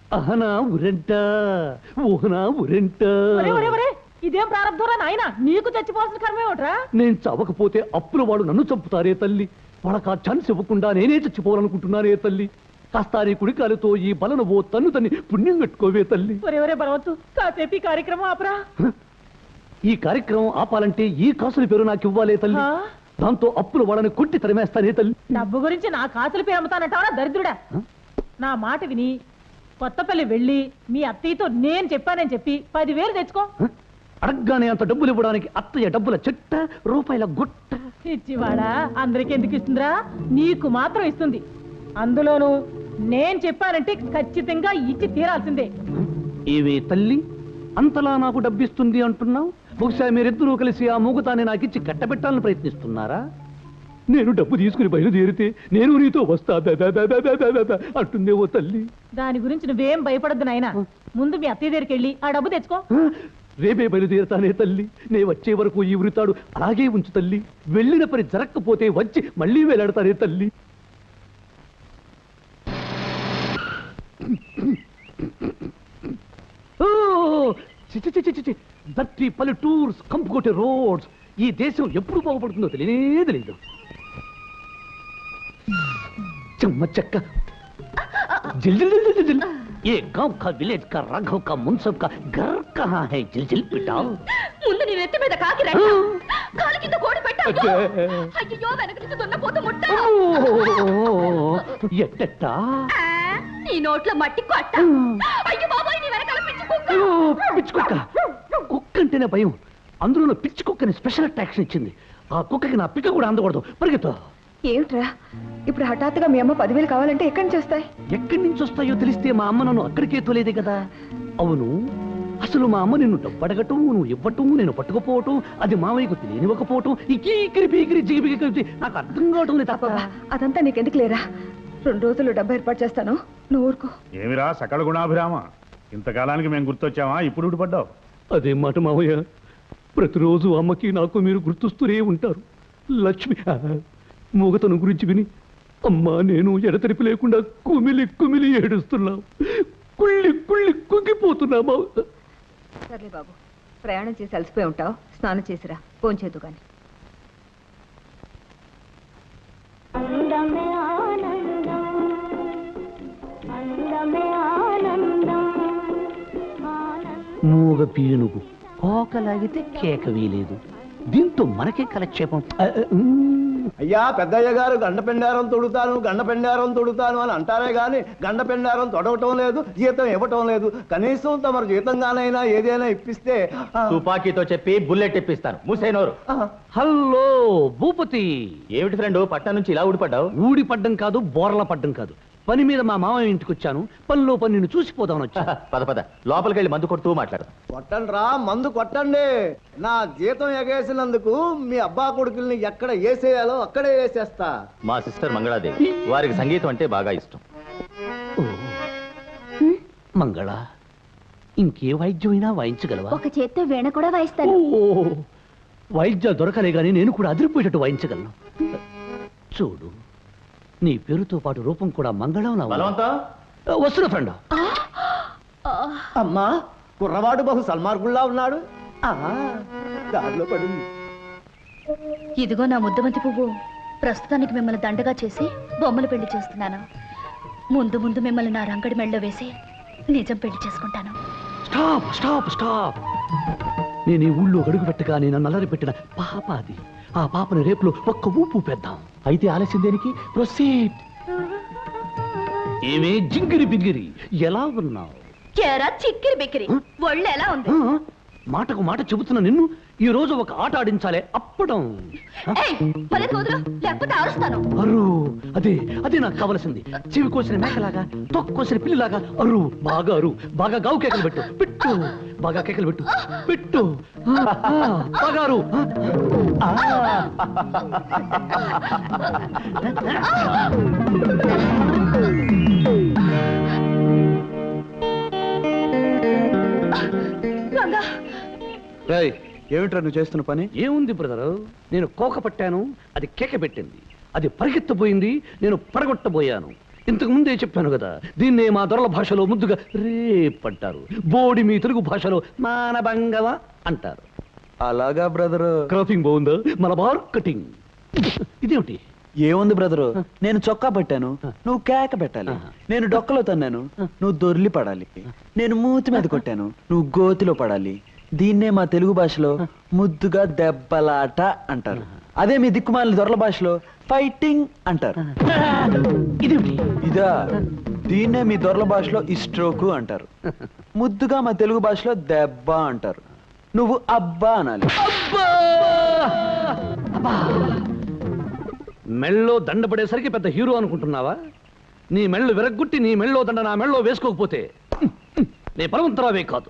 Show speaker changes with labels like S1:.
S1: అహనా ఉరెంట ఊహనా ఉరెంట.
S2: ఇదేం ప్రారంభంరా నాయన, నీకు చచ్చిపోవాల్సిన కర్మే ఒకట్రా.
S1: నేను చవకపోతే అప్పుల వాడు నన్ను చంపుతారే తల్లి. వాళ్ళకి ఆ ఛాన్స్ ఇవ్వకుండా నేనే చచ్చిపోవాలనుకుంటున్నానే తల్లి. కాస్త నీ కుడికాలతో ఈ బలను ఓ తన్ను తన్ని పుణ్యం కట్టుకోవే తల్లి.
S2: ఒరే బలవత్తు, కాసేపు ఈ కార్యక్రమం ఆపరా.
S1: ఈ కార్యక్రమం ఆపాలంటే ఈ కాసుల పేరు నాకు ఇవ్వాలే తల్లి. దాంతో అప్పుల వాళ్ళని కొట్టి తరిమేస్తానే తల్లి.
S2: డబ్బు గురించి నా కాసుల పేరు అమ్ముతానంటావా దరిద్రుడా? నా మాట విని కొత్తపల్లి వెళ్ళి మీ అత్తయ్యతో నేను చెప్పానని చెప్పి 10,000 తెచ్చుకో.
S1: అడగ్గానే అంత డబ్బులు ఇవ్వడానికి అత్తయ్య డబ్బుల చెట్ట రూపాయల గుట్ట.
S2: ఇచ్చివాడా అందరికి ఎందుకు ఇస్తుందిరా? నీకు మాత్రం ఇస్తుంది. అందులోను నేను చెప్పానంటే ఖచ్చితంగా ఇచ్చి తీరాల్సిందే.
S1: ఏవే తల్లి, అంతలా నాకు డబ్బిస్తుంది అంటున్నావు? బహుశా మీరిద్దరూ కలిసి ఆ మూగతాన్ని నాకిచ్చి కట్టబెట్టాలని ప్రయత్నిస్తున్నారా? నేను డబ్బు తీసుకుని బయలుదేరితే నేను నీతో వస్తా అంటుందే ఓ తల్లి.
S2: దాని గురించి నువ్వేం భయపడద్దు నాయనా. ముందు మీ అత్తయ్య దగ్గరికి వెళ్ళి ఆ డబ్బు తెచ్చుకో.
S1: రేపే బయలుదేరుతానే తల్లి. నే వచ్చే వరకు ఈ ఉరితాడు అలాగే ఉంచు తల్లి. వెళ్ళిన పని జరగకపోతే వచ్చి మళ్ళీ వేలాడతానే తల్లి. దట్టి పల్లెటూర్స్ కంపుకొట్టే రోడ్స్. ఈ దేశం ఎప్పుడు బాగుపడుతుందో తెలియనే తెలియదు. చెమ్మ చెక్క जिल जिल जिल जिल ये गांव का विलेज का राघव का मुंसब का घर कहाँ है? जिल जिल पिटाओ.
S3: ముందు నీ నెత్తి మీద కాకి రెట్ట, కాలి కింద కోడి పెట్ట. అయ్యో వెనక నుంచి దున్నపోతు ముట్ట.
S1: ఎట్టట్టా
S3: నీ నోట్లో మట్టి కొట్ట. అయ్యో బాబాయ్ నీ వెనకాల పిచ్చి కుక్క.
S1: పిచ్చి కుక్క. కుక్క అంటేనే భయం. అందులో పిచ్చి కుక్కని స్పెషల్ అట్రాక్షన్ ఇచ్చింది. ఆ కుక్కకి నా పిక్క కూడా అందకూడదు. పరిగెత్తా.
S4: ఏమిట్రా ఇప్పుడు హఠాత్తుగా మీ అమ్మ 10,000 కావాలంటే ఎక్కడి నుంచి వస్తాయి?
S1: ఎక్కడి నుంచి వస్తాయో తెలిస్తే మా అమ్మ నన్ను అక్కడికే తోలేదే కదా. అవును, అసలు మా అమ్మ నిన్ను డబ్బడగటం, నువ్వు ఇవ్వటం, నేను పట్టుకుపోవటం, అది మామయ్యకు తెలియనివ్వకపోవటం, ఇకీకిరి పీకిరి జిగిపిగి కలిపి నాకు అర్థం కావటం లేదు. తప్ప
S4: అదంతా నీకెందుకు లేరా? 2 రోజులు డబ్బు ఏర్పాటు చేస్తాను, నువ్వు ఊరుకో.
S5: ఏమిరా సకల గుణాభిరామ, ఇంతకాలానికి మేము గుర్తొచ్చామా? ఇప్పుడు ఊడిపడ్డావు.
S1: అదే మాట మామయ్య, ప్రతిరోజు అమ్మకి నాకు మీరు గుర్తొస్తూనే ఉంటారు. లక్ష్మి మూగతను గురించి విని అమ్మా నేను ఎడతెరిపి లేకుండా కుమిలి కుమిలి ఏడుస్తున్నావు. కుళ్ళి కుళ్ళి కుంగిపోతున్నామా.
S4: సర్లే బాబు, ప్రయాణం చేసి అలసిపోయి ఉంటావు, స్నానం చేసిరా, ఫోన్ చేద్దు కానీ.
S1: మూగ పీనుగు కోకలాగితే కేక వీలేదు. దీంతో మనకే కలక్షేపం.
S6: అయ్యా పెద్దయ్య గారు గండపెండారం తొడుతాను అని అంటారే గాని గండపెండారం తొడవటం లేదు, జీతం ఇవ్వటం లేదు. కనీసం తమరు జీతంగానైనా ఏదైనా ఇప్పిస్తే.
S7: తుపాకీతో చెప్పి బుల్లెట్ ఇప్పిస్తాను. మూసేనోరు.
S1: హలో భూపతి.
S7: ఏమిటి ఫ్రెండ్ పట్టణం నుంచి ఇలా ఊడిపడ్డావు?
S1: ఊడిపడ్డం కాదు, బోర్ల పడ్డం కాదు. పని మీద మా మామయ్య ఇంటికి వచ్చాను. పనిలో పని నిన్ను చూసిపోదామని వచ్చా.
S7: పద పద లోపలికి వెళ్ళి మందు కొడుతూ మాట్లాడు.
S6: కొట్టండి రా, మందు కొట్టండి. నా జీతం ఎగేసినందుకు మీ అబ్బా కొడుకుల్ని ఎక్కడ వేసేయాలో అక్కడే వేసేస్తా.
S7: మా సిస్టర్ మంగళాదేవి, వారికి సంగీతం అంటే బాగా ఇష్టం.
S1: మంగళ, ఇంకే వాయిద్యమైనా వాయించగలవా?
S3: ఒక చేత్తో వీణ కూడా వాయిస్తాను.
S1: వాయిద్యాలు దొరకలే గానీ నేను కూడా అదిరిపోయేటట్టు వాయించగలను. చూడు, నీ పేరుతో పాటు రూపం కూడా మంగళం. వస్తున్నా ఫ్రెండ్.
S6: అమ్మా కుర్రవాడు బహు సల్మార్గుల్లా ఉన్నాడు. దారిలో పడింది.
S3: ఇదిగో నా ముద్దమంతి పువ్వు. ప్రస్తుతానికి మిమ్మల్ని దండగా చేసి బొమ్మలు పెళ్లి చేస్తున్నాను. ముందు ముందు మిమ్మల్ని నా రంగడి మెళ్ళలో వేసి నిజం పెళ్లి చేసుకుంటాను.
S1: Stop stop stop. నేను ఈ ఊళ్ళో అడుగు పెట్టగానే నన్ను అల్లరి పెట్టిన పాప అది. ఆ పాపని రేపులో ఒక్క ఊపు పెద్దాం. అయితే ఆలస్యం దేనికి? ప్రొసీడ్. ఏమే జింగిరి బింగిరి, ఎలా ఉన్నావు?
S3: చిక్కిరి బిక్కిరి, ఒళ్ళు ఎలా ఉంది?
S1: మాటకు మాట చెబుతున్న నిన్ను ఈ రోజు ఒక ఆట ఆడించాలే. అప్పడం. అరు, అదే అదే నాకు కావలసింది. చెవి కోసిన మేకలాగా, తొక్కు కోసిన పిల్లిలాగా అరు. బాగా అరు, బాగా గావు కేకలు పెట్టు. పెట్టు, బాగా కేకలు పెట్టు. పెట్టు, బాగా అరు.
S6: ఏమిట్రా నువ్వు చేస్తున్న పని?
S1: ఏముంది బ్రదరు, నేను కోక పట్టాను, అది కేక పెట్టింది. అది పరిగెత్తబోయింది, నేను పడగొట్టబోయాను. ఇంతకు ముందే చెప్పాను కదా, దీన్నే మా దొరల భాషలో ముద్దుగా రేప్ అంటారు. బోడి మీ తెలుగు భాషలో మానభంగవ అంటారు.
S8: అలాగా బ్రదరు.
S1: క్రాపింగ్ బాగుందా? మలబార్ కటింగ్. ఇదేమిటి?
S8: ఏముంది బ్రదరు, నేను చొక్కా పట్టాను, నువ్వు కేక పెట్టాలి. నేను డొక్కలో తన్నాను, నువ్వు దొర్లి పడాలి. నేను మూతి మీద కొట్టాను, నువ్వు గోతిలో పడాలి. దీన్నే మా తెలుగు భాషలో ముద్దుగా దెబ్బలాట అంటారు. అదే మీ దిక్కుమాలిన దొరల భాషలో ఫైటింగ్ అంటారు.
S1: ఇదేమిటి?
S8: ఇదా, దీన్నే మీ దొరల భాషలో ఇస్ట్రోకు అంటారు. ముద్దుగా మా తెలుగు భాషలో దెబ్బ అంటారు. నువ్వు అబ్బా అనాలి.
S1: మెళ్ళో దండ పడేసరికి పెద్ద హీరో అనుకుంటున్నావా? నీ మెళ్ళు విరగ్గొట్టి నీ మెళ్ళో దండ నా మెళ్ళో వేసుకోకపోతే నీ బలవంతరావే కాదు.